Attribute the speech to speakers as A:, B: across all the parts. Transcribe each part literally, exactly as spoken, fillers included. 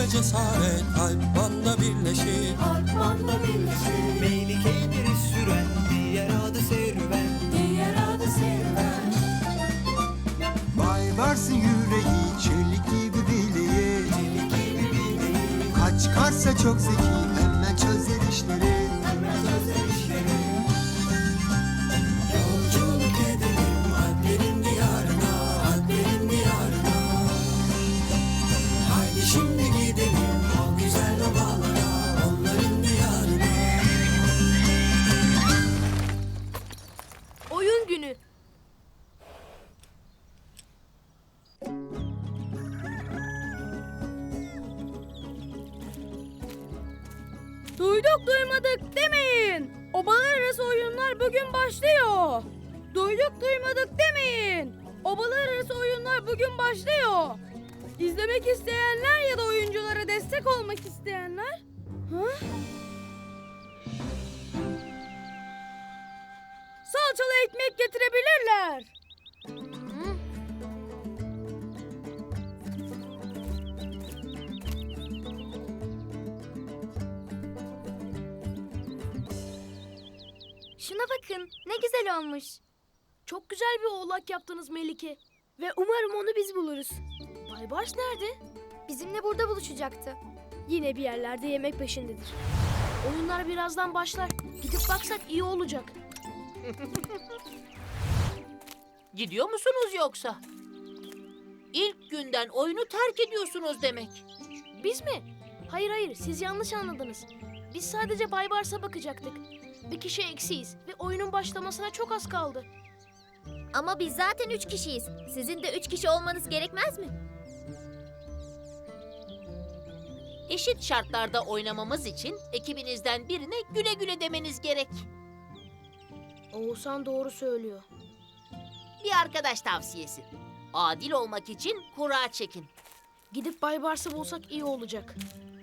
A: cesaret Alpman'la birleşir.
B: Alpman'la birleşir.
C: Melike'yi biri süren, diğer adı serüven.
B: Diğer adı serüven.
D: Baybars'ın yüreği çelik gibi bileği.
C: Çelik gibi bileği,
D: Kaç çıkarsa çok zeki hemen çözer işleri.
C: hemen çözer işleri.
A: Yolculuk edelim Alplerin diyarına, Alplerin diyarına. Haydi şimdi gidelim o güzel ovalara, onların diyarına.
E: Oyun günü. Duyduk duymadık demeyin. Obalar arası oyunlar bugün başlıyor. Duyduk duymadık demeyin. Obalar arası oyunlar bugün başlıyor. İzlemek isteyenler ya da oyunculara destek olmak isteyenler... Ha? Salçalı ekmek getirebilirler. Hı?
F: Şuna bakın, ne güzel olmuş.
E: Çok güzel bir oğlak yaptınız Melike. Ve umarım onu biz buluruz. Baybars nerede?
F: Bizimle burada buluşacaktı.
E: Yine bir yerlerde yemek peşindedir. Oyunlar birazdan başlar. Gidip baksak iyi olacak.
G: Gidiyor musunuz yoksa? İlk günden oyunu terk ediyorsunuz demek.
E: Biz mi? Hayır hayır, siz yanlış anladınız. Biz sadece Baybars'a bakacaktık. Bir kişi eksiyiz ve oyunun başlamasına çok az kaldı.
F: Ama biz zaten üç kişiyiz. Sizin de üç kişi olmanız gerekmez mi?
G: Eşit şartlarda oynamamız için ekibinizden birine güle güle demeniz gerek.
E: Oğuzhan doğru söylüyor.
G: Bir arkadaş tavsiyesi. Adil olmak için kura çekin.
E: Gidip Baybars'ı bulsak iyi olacak.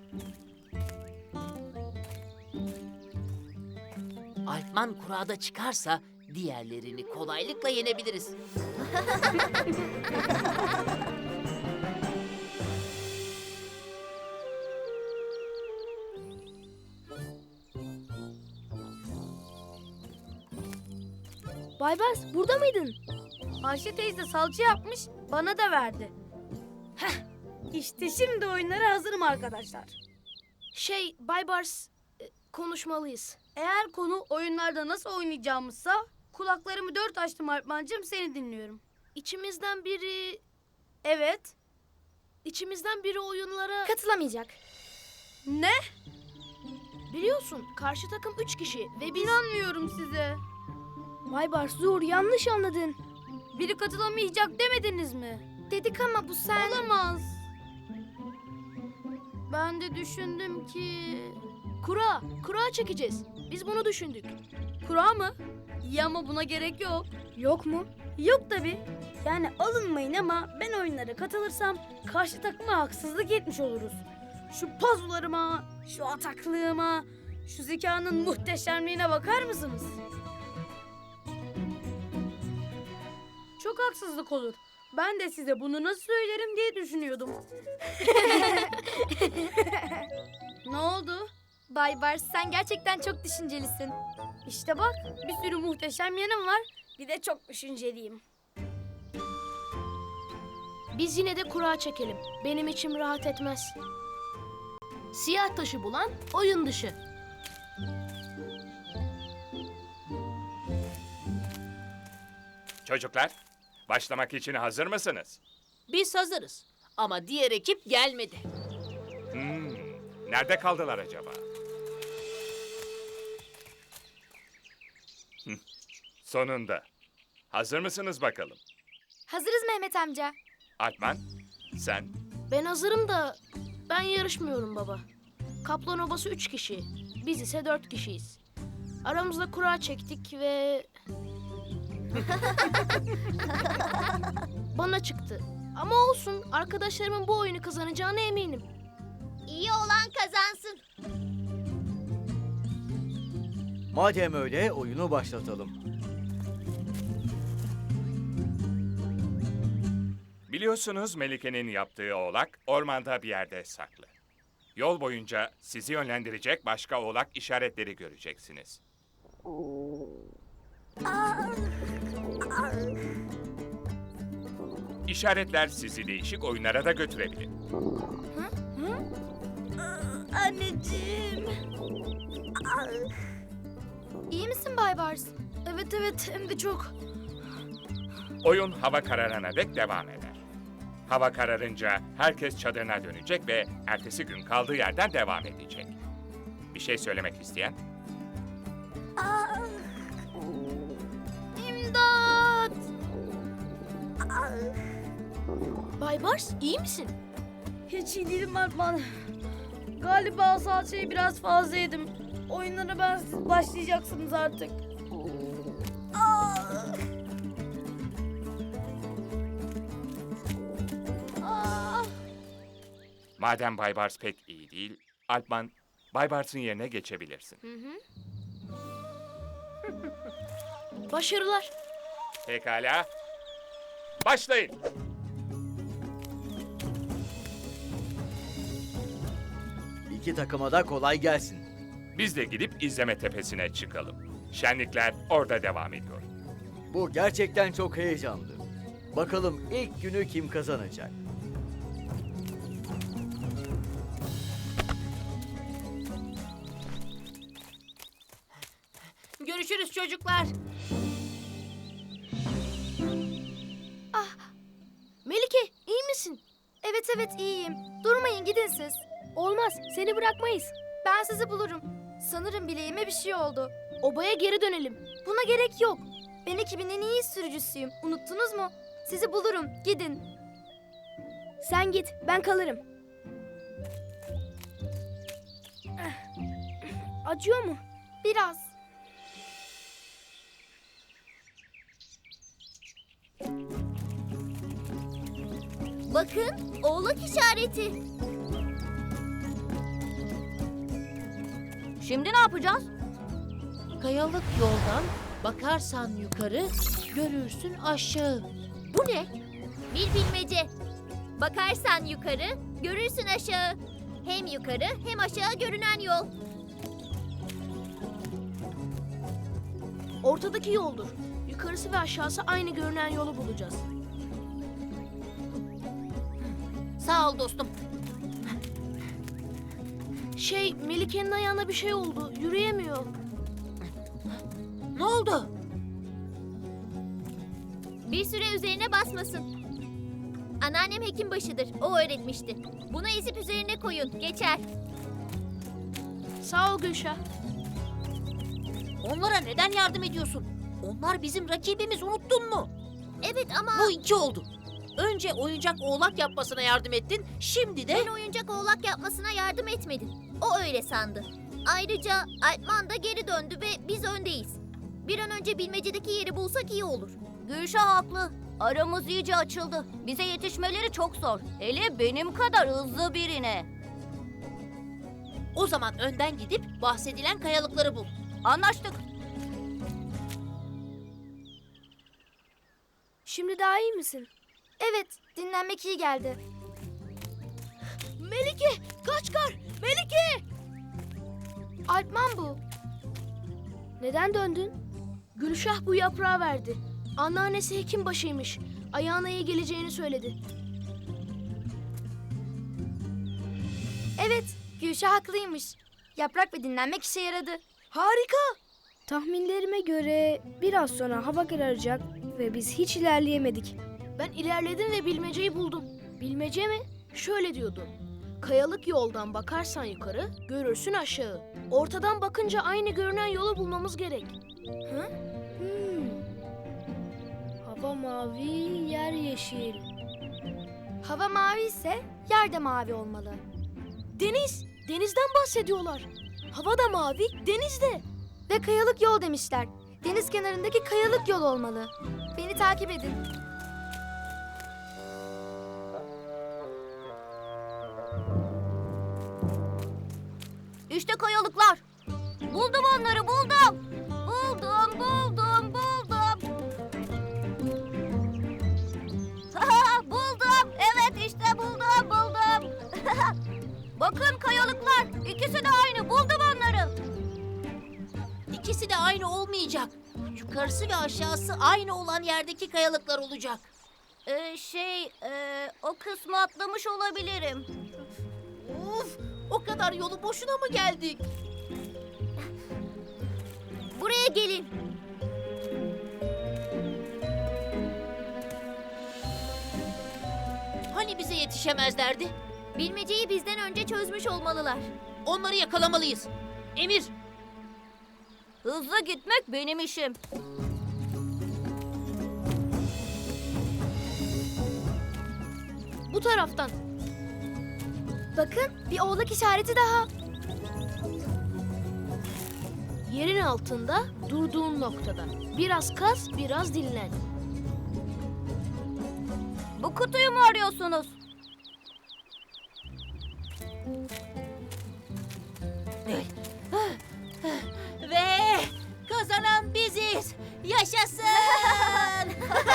G: Alpman kurada çıkarsa diğerlerini kolaylıkla yenebiliriz.
E: Baybars burada mıydın? Ayşe teyze salça yapmış, bana da verdi. Heh, işte şimdi oyunlara hazırım arkadaşlar. Şey, Baybars, e, konuşmalıyız. Eğer konu oyunlarda nasıl oynayacağımızsa, kulaklarımı dört açtım Alpmancığım, seni dinliyorum. İçimizden biri... Evet. İçimizden biri oyunlara...
F: Katılamayacak.
E: Ne? Biliyorsun, karşı takım üç kişi ve biz... İnanmıyorum size. Baybars dur, yanlış anladın. Biri katılamayacak demediniz mi?
F: Dedik ama bu sen...
E: Olamaz. Ben de düşündüm ki... Kura, kura çekeceğiz. Biz bunu düşündük. Kura mı? İyi ama buna gerek yok. Yok mu? Yok tabii. Yani alınmayın ama ben oyunlara katılırsam karşı takıma haksızlık etmiş oluruz. Şu pazularıma, şu ataklığıma, şu zekanın muhteşemliğine bakar mısınız? Çok haksızlık olur. Ben de size bunu nasıl söylerim diye düşünüyordum. Ne oldu?
F: Baybars, sen gerçekten çok düşüncelisin.
E: İşte bak, bir sürü muhteşem yanım var. Bir de çok düşünceliyim. Biz yine de kura çekelim. Benim içim rahat etmez. Siyah taşı bulan oyun dışı.
H: Çocuklar, başlamak için hazır mısınız?
G: Biz hazırız ama diğer ekip gelmedi.
H: Hmm, nerede kaldılar acaba? Hıh, sonunda. Hazır mısınız bakalım?
F: Hazırız Mehmet amca.
H: Alpman, sen?
E: Ben hazırım da ben yarışmıyorum baba. Kaplan Obası üç kişi. Biz ise dört kişiyiz. Aramızda kura çektik ve... Bana çıktı. Ama olsun, arkadaşlarımın bu oyunu kazanacağına eminim.
F: İyi olan kazansın.
C: Madem öyle oyunu başlatalım.
H: Biliyorsunuz Melike'nin yaptığı oğlak ormanda bir yerde saklı. Yol boyunca sizi yönlendirecek başka oğlak işaretleri göreceksiniz. İşaretler sizi değişik oyunlara da götürebilir.
E: Anneciğim.
F: İyi misin Bay Bars?
E: Evet evet hem de çok.
H: Oyun hava kararana dek devam eder. Hava kararınca herkes çadırına dönecek ve ertesi gün kaldığı yerden devam edecek. Bir şey söylemek isteyen?
E: İmdat! Bay Bars iyi misin? Hiç iyi değilim Alpman. Galiba salçayı biraz fazla yedim. Oyunlara ben siz başlayacaksınız artık. Ah! Ah!
H: Madem Bay Bars pek iyi değil, Alpman, Bay Bars'ın yerine geçebilirsin.
E: Başarılar.
H: Pekala. Başlayın.
I: İki takıma da kolay gelsin.
H: Biz de gidip izleme tepesine çıkalım. Şenlikler orada devam ediyor.
I: Bu gerçekten çok heyecanlı. Bakalım ilk günü kim kazanacak?
G: Görüşürüz çocuklar.
E: Melike iyi misin?
F: Evet evet iyiyim. Durmayın gidin siz.
E: Olmaz seni bırakmayız.
F: Ben sizi bulurum. Sanırım bileğime bir şey oldu.
E: Obaya geri dönelim.
F: Buna gerek yok. Ben ekibin en iyi sürücüsüyüm. Unuttunuz mu? Sizi bulurum. Gidin.
E: Sen git ben kalırım. Acıyor mu?
F: Biraz. Bakın oğlak işareti. Şimdi ne yapacağız?
G: Kayalık yoldan bakarsan yukarı, görürsün aşağı. Bu ne?
F: Bir bilmece. Bakarsan yukarı, görürsün aşağı. Hem yukarı hem aşağı görünen yol.
E: Ortadaki yoldur. Yukarısı ve aşağısı aynı görünen yolu bulacağız.
G: Sağ ol dostum.
E: Şey, Melike'nin ayağına bir şey oldu. Yürüyemiyor.
G: Ne oldu?
F: Bir süre üzerine basmasın. Anneannem hekimbaşıdır. O öğretmişti. Bunu ezip üzerine koyun. Geçer.
E: Sağ ol Gülşah.
G: Onlara neden yardım ediyorsun? Onlar bizim rakibimiz, unuttun mu?
F: Evet ama
G: Bu iki oldu. Önce oyuncak oğlak yapmasına yardım ettin, şimdi de...
F: ben oyuncak oğlak yapmasına yardım etmedim. O öyle sandı. Ayrıca Alpman da geri döndü ve biz öndeyiz. Bir an önce bilmecedeki yeri bulsak iyi olur. Gülşah haklı. Aramız iyice açıldı. Bize yetişmeleri çok zor. Hele benim kadar hızlı birine.
G: O zaman önden gidip bahsedilen kayalıkları bul.
F: Anlaştık.
E: Şimdi daha iyi misin?
F: Evet, dinlenmek iyi geldi.
E: Melike, Kaçkar! Melike!
F: Alpman bu.
E: Neden döndün? Gülşah bu yaprağı verdi. Anneannesi hekimbaşıymış. Ayağına iyi geleceğini söyledi.
F: Evet, Gülşah haklıymış. Yaprak ve dinlenmek işe yaradı.
E: Harika! Tahminlerime göre biraz sonra hava kararacak ve biz hiç ilerleyemedik. Ben ilerledim ve bilmeceyi buldum. Bilmece mi? Şöyle diyordu. Kayalık yoldan bakarsan yukarı, görürsün aşağı. Ortadan bakınca aynı görünen yolu bulmamız gerek. Hı? Hmm. Hava mavi, yer yeşil.
F: Hava mavi ise yer de mavi olmalı.
E: Deniz! Denizden bahsediyorlar. Hava da mavi, deniz de.
F: Ve kayalık yol demişler. Deniz kenarındaki kayalık yol olmalı. Beni takip edin. İşte kayalıklar. Buldum onları, buldum. Buldum, buldum, buldum. buldum. Evet işte buldum, buldum. Bakın kayalıklar. İkisi de aynı. Buldum onları.
G: İkisi de aynı olmayacak. Yukarısı ve aşağısı aynı olan yerdeki kayalıklar olacak.
F: Ee, şey, e, o kısmı atlamış olabilirim.
G: Uf, o kadar yolu boşuna mı geldik?
F: Buraya gelin.
G: Hani bize yetişemezlerdi?
F: Bilmeceyi bizden önce çözmüş olmalılar.
G: Onları yakalamalıyız. Emir,
F: Hızlı gitmek benim işim.
E: Bu taraftan. Bakın bir oğlak işareti daha. Yerin altında durduğun noktada. Biraz kaz, biraz dinlen.
F: Bu kutuyu mu arıyorsunuz?
G: ve kazanan biziz. Yaşasın!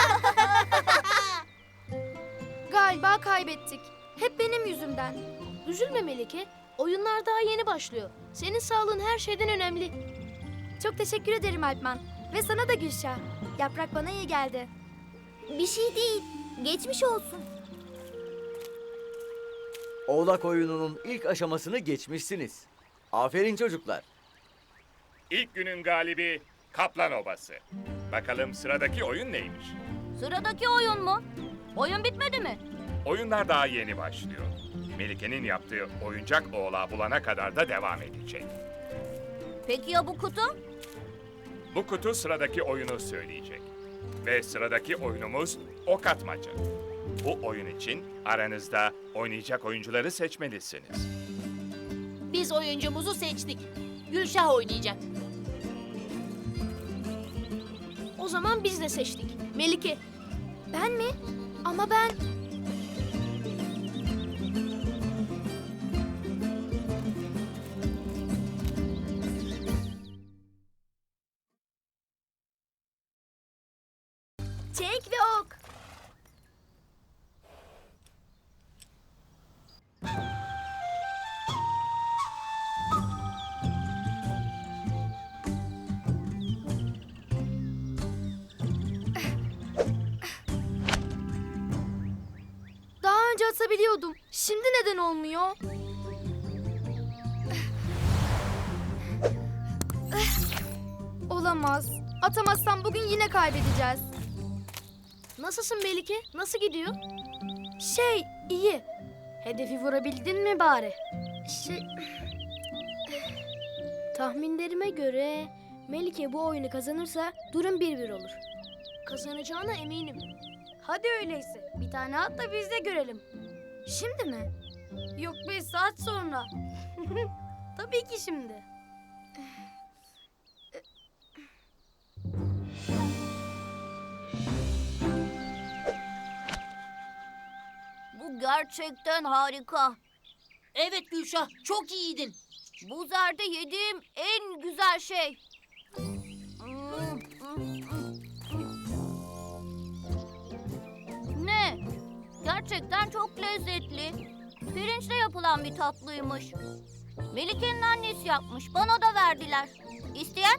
E: Galiba kaybettik. Hep benim yüzümden. Üzülme Melike. Oyunlar daha yeni başlıyor. Senin sağlığın her şeyden önemli.
J: Çok teşekkür ederim Alpman. Ve sana da Gülşah. Yaprak bana iyi geldi.
F: Bir şey değil. Geçmiş olsun.
I: Oğlak oyununun ilk aşamasını geçmişsiniz. Aferin çocuklar.
H: İlk günün galibi Kaplan Obası. Bakalım sıradaki oyun neymiş?
F: Sıradaki oyun mu? Oyun bitmedi mi?
H: Oyunlar daha yeni başlıyor. Melike'nin yaptığı oyuncak oğlağı bulana kadar da devam edecek.
F: Peki ya bu kutu?
H: Bu kutu sıradaki oyunu söyleyecek. Ve sıradaki oyunumuz ok atmaca. Bu oyun için aranızda oynayacak oyuncuları seçmelisiniz.
G: Biz oyuncumuzu seçtik. Gülşah oynayacak.
E: O zaman biz de seçtik. Melike.
J: Ben mi? Ama ben... Çek ve ok. Daha önce atabiliyordum. Şimdi neden olmuyor? Olamaz. Atamazsam bugün yine kaybedeceğiz.
E: Nasılsın Melike? Nasıl gidiyor?
J: Şey, iyi.
E: Hedefi vurabildin mi bari?
J: Şey,
E: Tahminlerime göre Melike bu oyunu kazanırsa durum bir bir olur. Kazanacağına eminim.
J: hadi öyleyse. Bir tane at da biz de görelim. Şimdi mi?
E: Yok beş saat sonra. Tabii ki şimdi.
F: Bu gerçekten harika.
G: Evet Gülşah, çok iyiydin.
F: Bu zerde yediğim en güzel şey. Ne? Gerçekten çok lezzetli. Pirinçle yapılan bir tatlıymış. Melike'nin annesi yapmış. Bana da verdiler. İsteyen?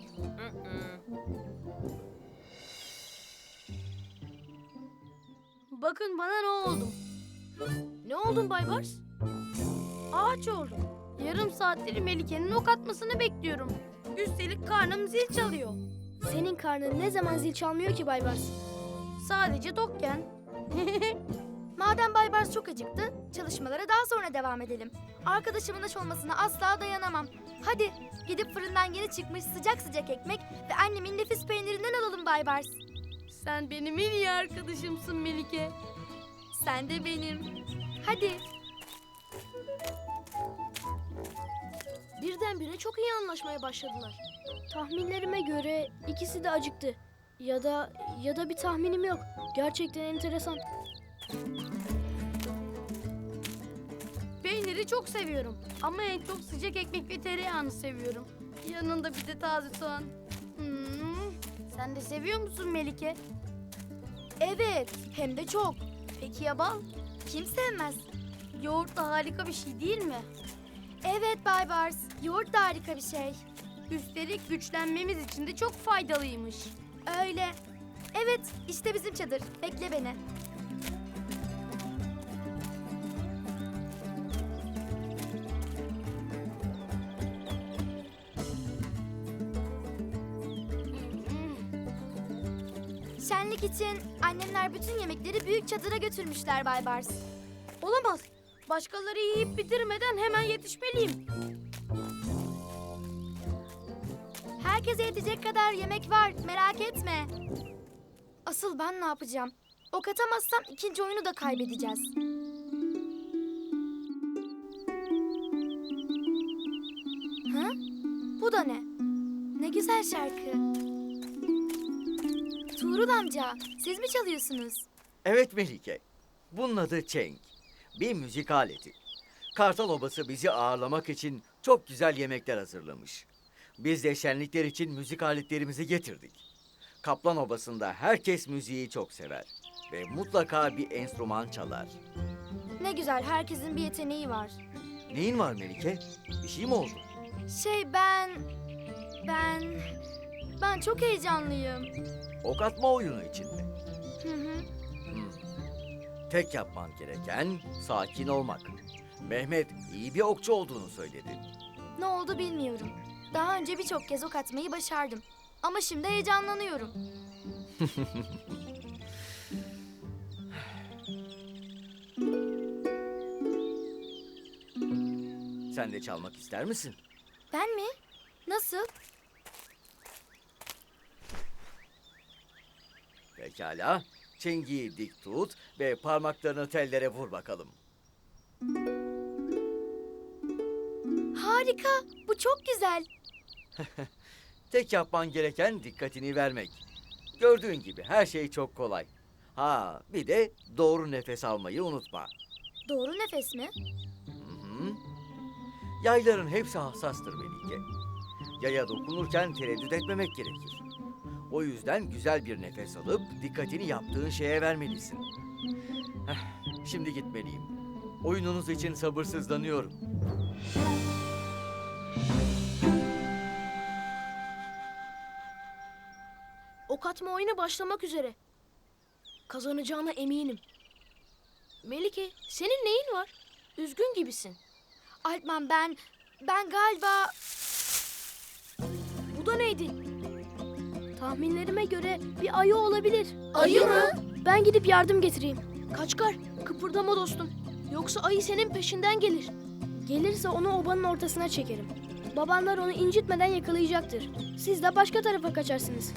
E: Bakın bana ne oldu? Ne oldun Baybars? Ağaç oldum. Yarım saattir Melike'nin ok atmasını bekliyorum. Üstelik karnım zil çalıyor.
J: Senin karnın ne zaman zil çalmıyor ki Baybars?
E: Sadece tokken.
J: Madem Baybars çok acıktı, çalışmalara daha sonra devam edelim. Arkadaşımın aç olmasına asla dayanamam. Hadi gidip fırından yeni çıkmış sıcak sıcak ekmek ve annemin nefis peynirinden alalım Baybars.
E: Sen benim en iyi arkadaşımsın Melike.
J: Sen de benim. Hadi.
E: Birdenbire çok iyi anlaşmaya başladılar. Tahminlerime göre ikisi de acıktı. Ya da ya da bir tahminim yok. Gerçekten enteresan. Peyniri çok seviyorum. Ama en çok sıcak ekmek ve tereyağını seviyorum. Yanında bir de taze soğan. Hmm. Sen de seviyor musun Melike?
J: Evet, hem de çok. Peki ya bal? Kim sevmez?
E: Yoğurt da harika bir şey değil mi?
J: Evet Baybars, yoğurt da harika bir şey.
E: Üstelik güçlenmemiz için de çok faydalıymış.
J: Öyle. Evet, işte bizim çadır. Bekle beni. Şenlik için annemler bütün yemekleri büyük çadıra götürmüşler Baybars.
E: Olamaz. Başkaları yiyip bitirmeden hemen yetişmeliyim.
J: Herkese yetecek kadar yemek var, merak etme. Asıl ben ne yapacağım? Ok atamazsam ikinci oyunu da kaybedeceğiz. Ha? Bu da ne? Ne güzel şarkı. Tuğrul amca, siz mi çalıyorsunuz?
I: Evet Melike. Bunun adı çeng. Bir müzik aleti. Kartal Obası bizi ağırlamak için çok güzel yemekler hazırlamış. Biz de şenlikler için müzik aletlerimizi getirdik. Kaplan Obası'nda herkes müziği çok sever. Ve mutlaka bir enstrüman çalar.
J: Ne güzel, herkesin bir yeteneği var.
I: Neyin var Melike? Bir şey mi oldu?
J: Şey ben... Ben... Ben çok heyecanlıyım.
I: Ok atma oyunu için mi?
J: Hı hı.
I: Hmm. Tek yapman gereken sakin olmak. Mehmet iyi bir okçu olduğunu söyledi.
J: Ne oldu bilmiyorum. Daha önce birçok kez ok atmayı başardım. Ama şimdi heyecanlanıyorum.
I: Sen de çalmak ister misin?
J: Ben mi? Nasıl?
I: Pekala. Çengiyi dik tut ve parmaklarını tellere vur bakalım.
J: Harika. Bu çok güzel.
I: Tek yapman gereken dikkatini vermek. Gördüğün gibi her şey çok kolay. Ha, bir de doğru nefes almayı unutma.
J: Doğru nefes mi?
I: Hı hı. Yayların hepsi hassastır Melike. Yaya dokunurken tereddüt etmemek gerekir. O yüzden güzel bir nefes alıp dikkatini yaptığın şeye vermelisin. Heh, şimdi gitmeliyim. Oyununuz için sabırsızlanıyorum.
E: Ok atma oyunu başlamak üzere. Kazanacağına eminim. Melike, senin neyin var? Üzgün gibisin.
J: Alpman ben... Ben galiba...
E: Bu da neydi? Tahminlerime göre bir ayı olabilir.
J: Ayı mı?
E: Ben gidip yardım getireyim. Kaçkar, kıpırdama dostum. Yoksa ayı senin peşinden gelir. Gelirse onu obanın ortasına çekerim. Babanlar onu incitmeden yakalayacaktır. Siz de başka tarafa kaçarsınız.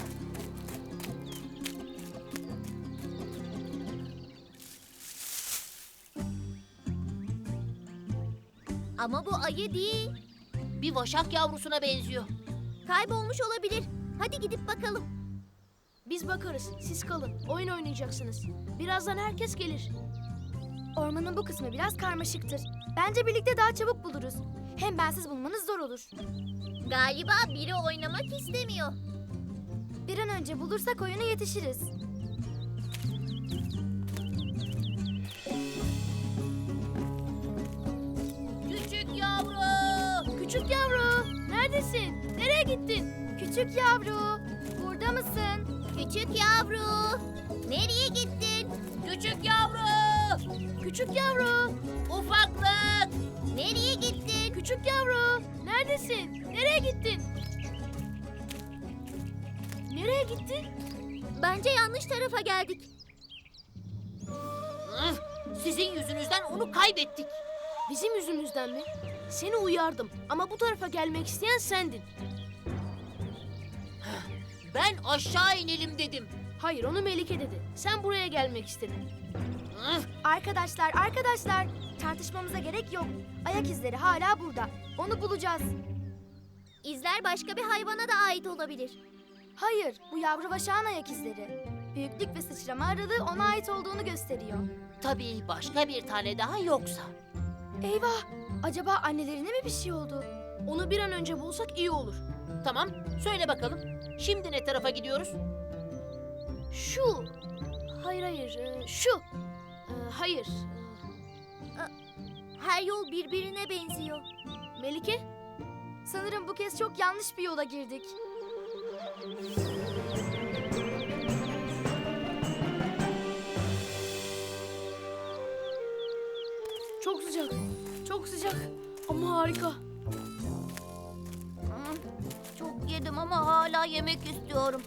F: Ama bu ayı değil.
G: Bir vaşak yavrusuna benziyor.
F: Kaybolmuş olabilir. Hadi gidip bakalım.
E: Biz bakarız. Siz kalın. Oyun oynayacaksınız. Birazdan herkes gelir.
J: Ormanın bu kısmı biraz karmaşıktır. Bence birlikte daha çabuk buluruz. Hem bensiz bulmanız zor olur.
F: Galiba biri oynamak istemiyor.
J: Bir an önce bulursak oyuna yetişiriz.
G: Küçük yavru!
E: Küçük yavru, neredesin? Nereye gittin?
J: Küçük yavru, burada mısın?
F: Küçük yavru. Nereye gittin?
G: Küçük yavru!
E: Küçük yavru,
G: Ufaklık!
F: Nereye gittin?
E: küçük yavru, neredesin? Nereye gittin? Nereye gittin?
F: Bence yanlış tarafa geldik.
G: Üf, sizin yüzünüzden onu kaybettik.
E: Bizim yüzümüzden mi? Seni uyardım ama bu tarafa gelmek isteyen sendin.
G: Ben aşağı inelim dedim.
E: Hayır, onu Melike dedi. Sen buraya gelmek istedin.
G: Üf,
J: Arkadaşlar, arkadaşlar. Tartışmamıza gerek yok. Ayak izleri hala burada. Onu bulacağız.
F: İzler başka bir hayvana da ait olabilir.
J: Hayır, bu yavru vaşağın ayak izleri. Büyüklük ve sıçrama aralığı ona ait olduğunu gösteriyor.
G: tabii başka bir tane daha yoksa.
J: Eyvah! Acaba annelerine mi bir şey oldu?
E: Onu bir an önce bulsak iyi olur.
G: Tamam, söyle bakalım. Şimdi ne tarafa gidiyoruz?
E: Şu. Hayır hayır, e, şu. E, hayır. e,
F: Her yol birbirine benziyor.
J: Melike, sanırım bu kez çok yanlış bir yola girdik.
E: Çok sıcak. Çok sıcak. Ama harika.
F: Hmm, Çok yedim ama hala yemek istiyorum.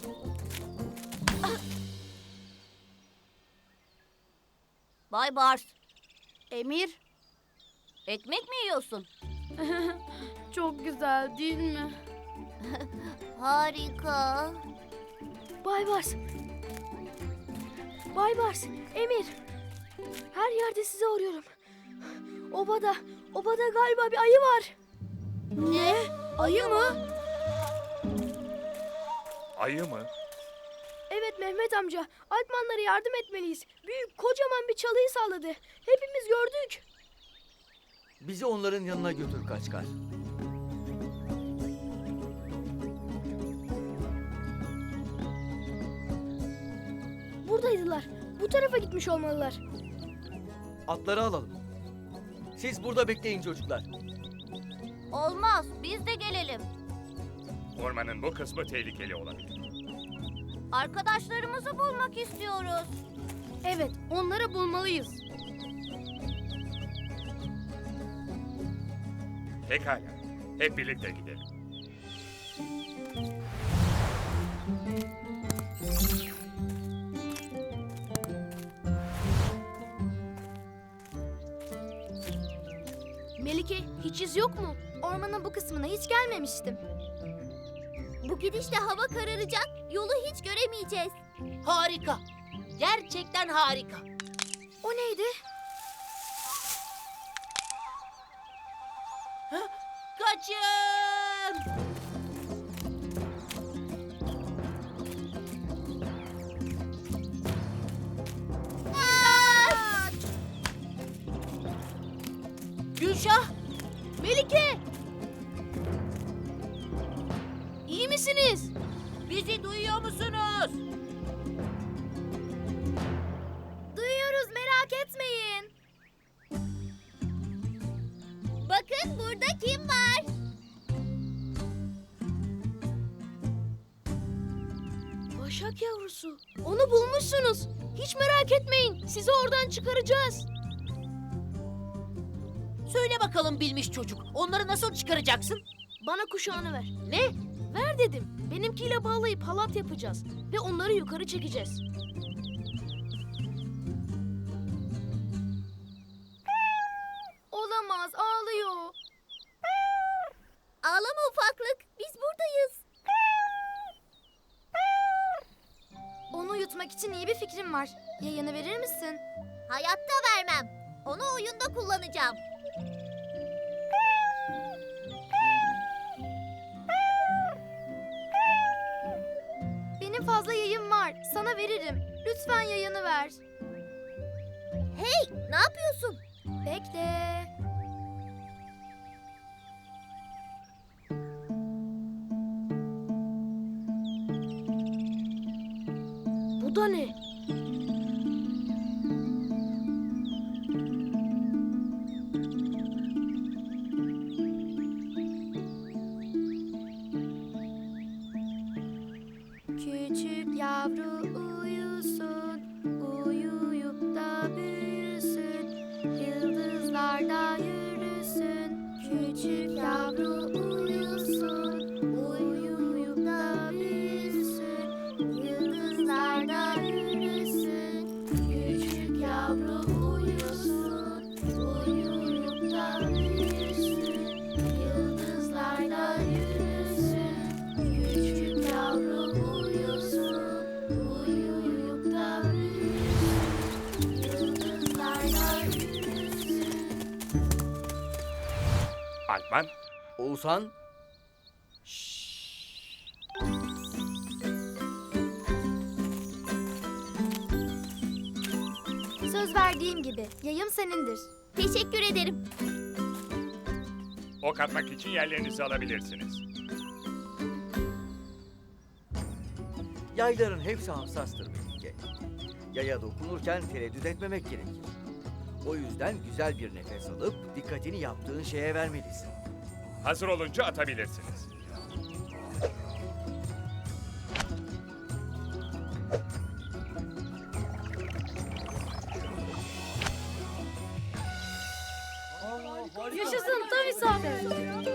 F: Bay Bars,
E: Emir,
F: ekmek mi yiyorsun?
E: çok güzel değil mi?
F: Harika.
E: Baybars. Baybars, Emir. Her yerde sizi arıyorum. Obada, obada galiba bir ayı var.
F: Ne?
E: Ayı mı?
H: Ayı mı?
E: Evet Mehmet amca. Alpmanlara yardım etmeliyiz. Büyük kocaman bir çalıyı salladı. Hepimiz gördük.
I: Bizi onların yanına götür Kaçkar.
E: Buradaydılar. Bu tarafa gitmiş olmalılar.
I: Atları alalım. Siz burada bekleyin çocuklar.
F: Olmaz, biz de gelelim.
H: Ormanın bu kısmı tehlikeli olabilir.
F: Arkadaşlarımızı bulmak istiyoruz.
E: Evet, onları bulmalıyız.
H: Pekala. Hep birlikte gidelim.
E: Melike, hiç iz yok mu?
J: Ormanın bu kısmına hiç gelmemiştim.
F: Bu gidişle hava kararacak, yolu hiç göremeyeceğiz.
G: Harika. Gerçekten harika.
J: O neydi?
G: Kaçın! Gülşah!
E: Melike! İyi misiniz?
G: Bizi duyuyor musunuz?
J: Duyuyoruz, merak etmeyin.
F: Bakın burada kim var?
E: Başak yavrusu. Onu bulmuşsunuz. Hiç merak etmeyin. Sizi oradan çıkaracağız.
G: Söyle bakalım bilmiş çocuk. Onları nasıl çıkaracaksın?
E: Bana kuşağını ver.
G: Ne?
E: Ver dedim. Benimkiyle bağlayıp halat yapacağız. Ve onları yukarı çekeceğiz.
J: Olamaz, ağlıyor.
F: Ağlama ufaklık, biz buradayız.
J: Onu uyutmak için iyi bir fikrim var. Yayını verir misin?
F: Hayatta vermem. Onu oyunda kullanacağım.
J: Benim fazla yayım var. Sana veririm. Lütfen yayını ver.
F: Hey, ne yapıyorsun?
J: Bekle.
E: Bu da ne?
J: Küçük yavru uyusun, uyuyup da büyüsün, yıldızlarda yürüsün. Küçük yavru uyusun, uyuyup da büyüsün, yıldızlarda yürüsün. Küçük yavru uyusun, uyuyup da büyüsün, yıldızlarda yürüsün. Küçük yavru uyusun, uyuyup da büyüsün, yıldızlarda yürüsün.
H: Alpman,
I: Oğuzhan,
J: Söz verdiğim gibi yayım senindir.
F: Teşekkür ederim.
H: ok atmak için yerlerinizi alabilirsiniz.
I: yayların hepsi hassastır Melike. Yaya dokunurken tereddüt etmemek gerekir. O yüzden güzel bir nefes alıp dikkatini yaptığın şeye vermelisin.
H: Hazır olunca atabilirsiniz.
E: Yaşasın tam isabet.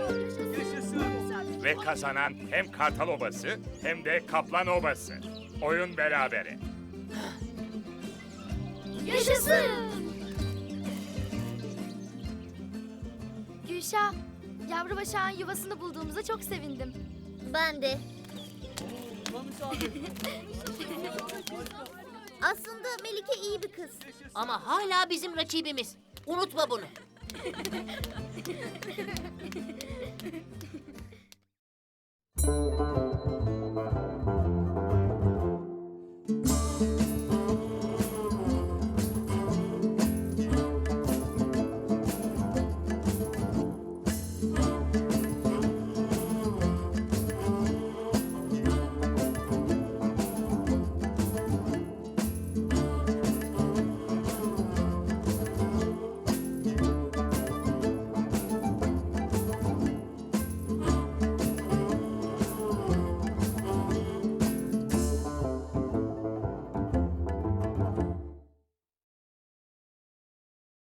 H: Ve kazanan hem Kartal Obası hem de Kaplan Obası. Oyun berabere.
J: Yaşasın! Gülşah, yavru başağın yuvasını bulduğumuza çok sevindim.
F: Ben de. Aslında Melike iyi bir kız.
G: Ama hala bizim rakibimiz. Unutma bunu.